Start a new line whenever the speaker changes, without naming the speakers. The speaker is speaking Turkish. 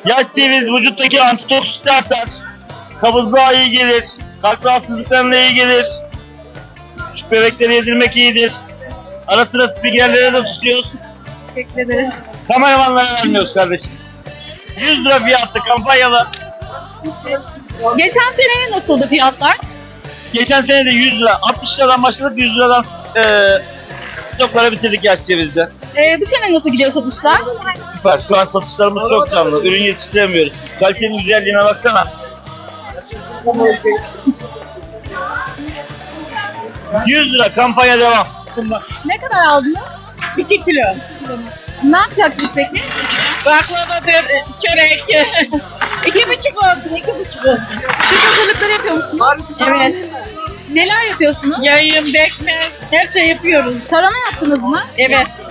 Yaş ceviz vücuttaki antitoksit artar. Kabızlığa iyi gelir. Kalp rahatsızlıklarına iyi gelir. Küçük bebeklere yedirmek iyidir. Ara sıra spikerlere de tutuyoruz.
Teşekkür ederiz.
Kameramanlara vermiyoruz kardeşim. 100 lira fiyatlı kampanyalı.
Geçen seneye nasıldı fiyatlar?
Geçen sene de 100 lira. 60 liradan başladık 100 liradan stokları bitirdik yaş cevizde.
Bu sene nasıl gidiyor satışlar?
Süper. Şu an satışlarımız çok canlı. Ürün yetiştiremiyoruz. Kalitenin güzelliğine baksana. 100 lira kampanya devam.
Ne kadar aldınız?
2 kilo.
Ne yapacaksınız peki?
Baklavadır, çörek. 2,5 olsun, 2,5 olsun.
Siz hazırlıkları yapıyor musunuz?
Evet.
Neler yapıyorsunuz?
Yayın, bekmez, her şey yapıyoruz.
Tarhana yaptınız mı?
Evet.